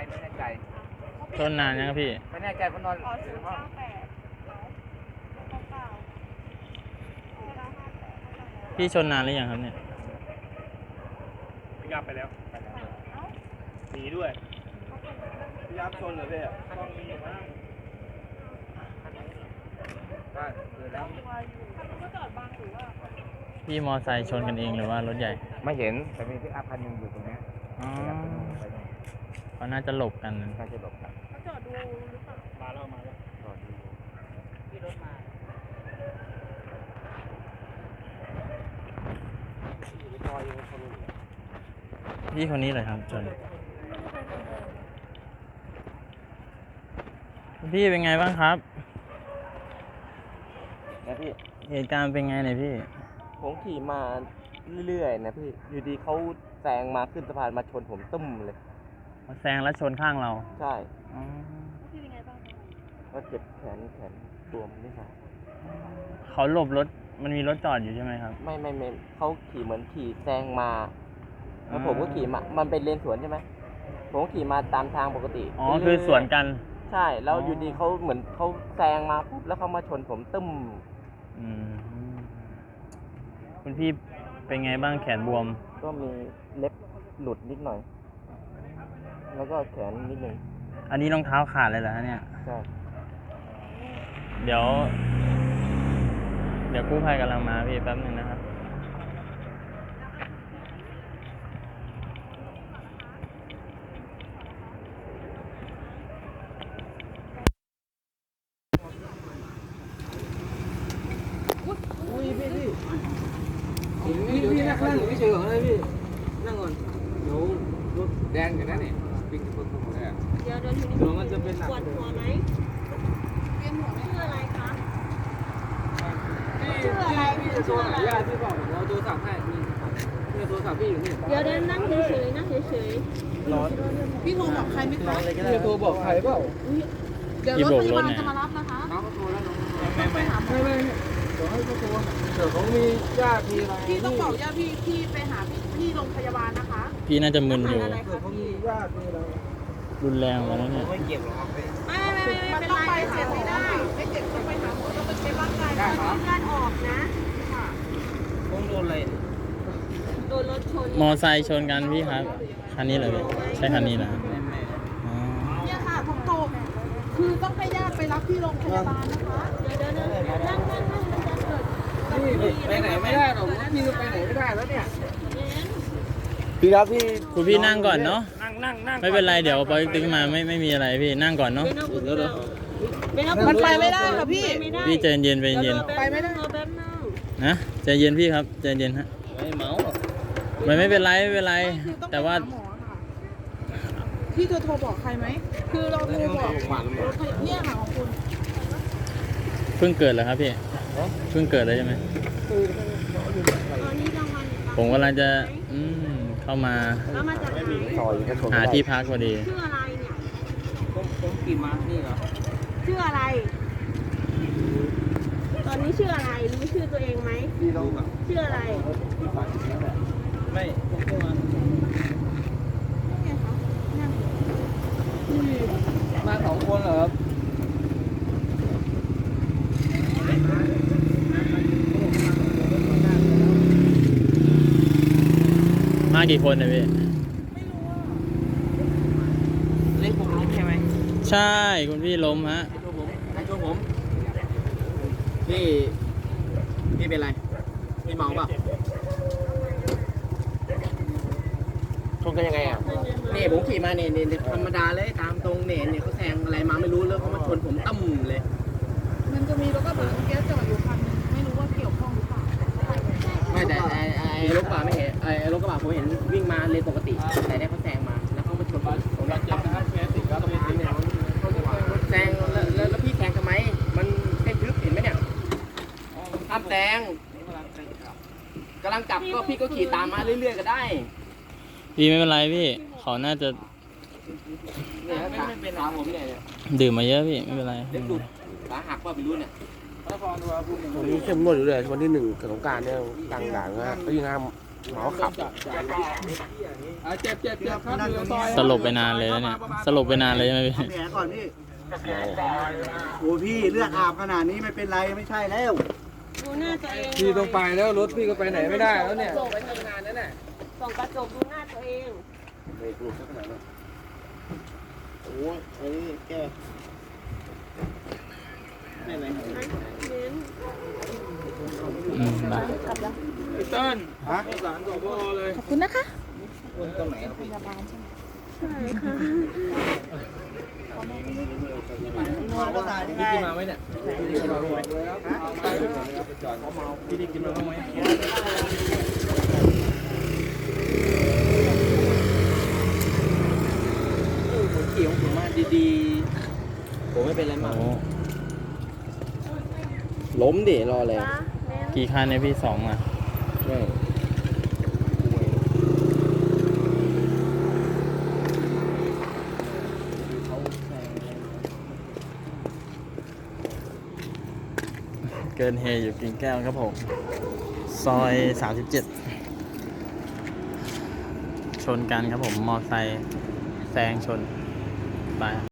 ไม่แน่ใจชนนานยังครับพี่ไม่แน่ใจเพราะนอนอยู่ในห้องพี่ชนนานหรือยังครับเนี่ยพี่ยับไปแล้วหนีด้วยพี่ยับชนเหรอพี่ต้องมีบ้างก็คือแล้วพี่มอไซค์ชนกันเองหรือว่ารถใหญ่ไม่เห็นแต่มีพิกอัพคันหนึงอยู่ตรงเนี้ยอ๋อพิกอัพคันหนึงไปตรงเขาน่าจะหลบกันใกล้จะหลบกันมาแล้วมาแล้วรอดูพี่คนนี้เลยครับชนพี่เป็นไงบ้างครับนะพี่เหตุการณ์เป็นไงเนี่ยพี่ผมขี่มาเรื่อยๆนะพี่อยู่ดีเขาแซงมาขึ้นสะพานมาชนผมตึ้มเลยมาแซงแล้วชนข้างเราใช่อ๋อก็เจ็บแขนบวมนี่ค่ะเขาหลบรถมันมีรถจอดอยู่ใช่ไหมครับไม่เขาขี่เหมือนขี่แซงมาแล้วอ่าผมก็ขี่มามันเป็นเลนสวนใช่ไหมผมก็ขี่มาตามทางปกติอ๋อเรื่ยๆคือสวนกันใช่แล้วอ๋ออยู่ดีเขาเหมือนเขาแซงมาปุ๊บแล้วเขามาชนผมตึ้มอืมคุณพี่เป็นไงบ้างแขนบวมก็มีเล็บหลุดนิดหน่อย แล้วก็แขนนิดหนึ่งอันนี้รองเท้าขาดเลยเหรอฮะเนี่ยใช่เดี๋ยวกู้ภัยกำลังมาพี่แป๊บนึงนะครับพี่นั่งไม่เฉยเหรอพี่นั่งก่อนเดี๋ยวรถแดงอยู่นะนี่ปิงปองเลยเดี๋ยวทีนี้เดี๋ยวมันจะเป็นหนักปวดหัวไหมชื่ออะไรคะพี่จะโทรหาญาติพี่บอกเราโทรศัพท์ให้นี่โทรศัพท์พี่อยู่นี่เดี๋ยวนั่งเฉยๆนั่งเฉยร้อนพี่โทรบอกใครไหมคะพี่จะโทรบอกใครเปล่าเดี๋ยวรถพยาบาลจะมารับนะคะน้องเขาโทรแล้วน้องต้องไปหาหมอไม่เดี๋ยวให้เขาโทรเดี๋ยวเขามีญาติมีอะไรพี่ต้องบอกญาติพี่ไปหาที่โรงพยาบาลนะคะพี่น่าจะมึนอยู่เดี๋ยวเขามีญาติมีอะไรรุนแรงแล้วเนี่ยไม่เก็บหรอกครับพี่ๆไม่มันเป็นต้องไรไปหาหมอไม่เจ็บต้องไปหาหมอต้องไปเช็คร่างกายได้ก่อนครับเลือดออกนะผมโดนอะไรโดนรถชนมอไซค์ชนกันพี่ครับ คันนี้เหรอพี่ใช่คันนี้เหรอครับอ๋อเนี่ยค่ะผมโตคือต้องให้ญาติไปรับที่โรงพยาบาลนะคะเดี๋ยวนั่งมันจะเกิดพี่ไปไหนไม่ได้หรอกพี่ไปไหนไม่ได้แล้วเนี่ยเย็นพี่ครับพี่คุณพี่นั่งก่อนเนาะนั่งไม่เป็นไรเดี๋ยวปอยตึงมาไม่มีอะไรพี่นั่งก่อนเนาะมันไปไม่ได้ค่ะพี่พี่ใจเย็นไปเย็นไปไม่ได้รอแป๊บนึงนะใจเย็นพี่ครับใจเย็นฮะไม่เมาไม่เป็นไรไม่เป็นไรคือต้องไปแต่ว่าหาหมอค่ะพี่จะโทรบอกใครไหมคือเราโทรบอกรถพยาบาลเนี่ยค่ะของคุณเพิ่งเกิดเหรอครับพี่เพิ่งเกิดเลยใช่ไหมตอนนี้กลางวันผมกำลังจะเข้ามาแล้วมาจากไหนซอยก็ชนหาที่พักพอดีชื่ออะไรเนี่ยผมขี่มานี่เหรอชื่ออะไร ตอนนี้ชื่ออะไรรู้ชื่อตัวเองไหมพี่ต้องแบบชื่ออะไรไม่ผมก็มามาสองคนเหรอครับมากี่คนเนี่ยพี่เล่นผมล้มใช่ไหมใช่คุณพี่ล้มฮะไอ้ช่วผมพี่เป็นไรพี่เมาเปล่าชนกันยังไงอ่ะเนี่ยผมขี่มาเนี่ยธรรมดาเลยตามตรงเนี่ยเขาแซงอะไรมาไม่รู้แล้วเขามาชนผมตั้มเลยมันจะมีรถกระบะแก๊สจอดอยู่คันนึงไม่รู้ว่าเกี่ยวข้องหรือเปล่าไม่แต่ไอ้รถกระบะไม่เห็นไอ้รถกระบะผมเห็นวิ่งมาเลนปกติ แต่เนี่ยเขาแซงมาแล้วเขามาชนผมแล้วจับนะครับแซงแล้วพี่แซงทำไมมันเส้นทึบเห็นไหมเนี่ยทำแซงกำลังกลับก็พี่ก็ขี่ตามมาเรื่อยๆก็ได้พี่ไม่เป็นไรพี่เขาน่าจะเนี่ยไม่เป็นขาผมเนี่ยดื่มมาเยอะพี่ไม่เป็นไรเล็บหลุดขาหักว่าไม่รู้เนี่ยวันนี้เข้มงวดอยู่เลยวันที่1กับสงกรานต์เนี่ยกลางด่านนะก็ยิ่งห้ามหมอขับเจ็บครับอยู่ในซอยสลบไปนานเลยแล้วเนี่ย สลบไปนานเลยใช่ไหมพี่แผลก่อนพี่โอ้พี่เลือดอาบขนาดนี้ไม่เป็นไรไม่ใช่แล้วดูหน้าตัวเองพี่ต้องไปแล้วรถพี่ก็ไปไหนไม่ได้แล้วเนี่ยส่งไปทำงานนั่นแหละส่องกระจกดูหน้าตัวเองโอ้ยอันนี้แกไม่ไหมเน้นได้พี่เติ้ลฮะสารของพ่อเลยขอบคุณนะคะตรงไหนพยาบาลใช่ไหมใช่ค่ะมาก็ตายยังไงพี่กินมาไหมเนี่ยพี่กินมาไหมพี่ได้กินมาบ้างไหมผมขี่ของผมมาดีๆผมไม่เป็นไรมากโอ้ล้มดิรอเลยจ้าเน้นกี่คันเนี่ยพี่2อ่ะ เกินเฮอยู่กิ่งแก้วครับผม ซอย 37 ชนกันครับผม มอไซค์แซงชนไป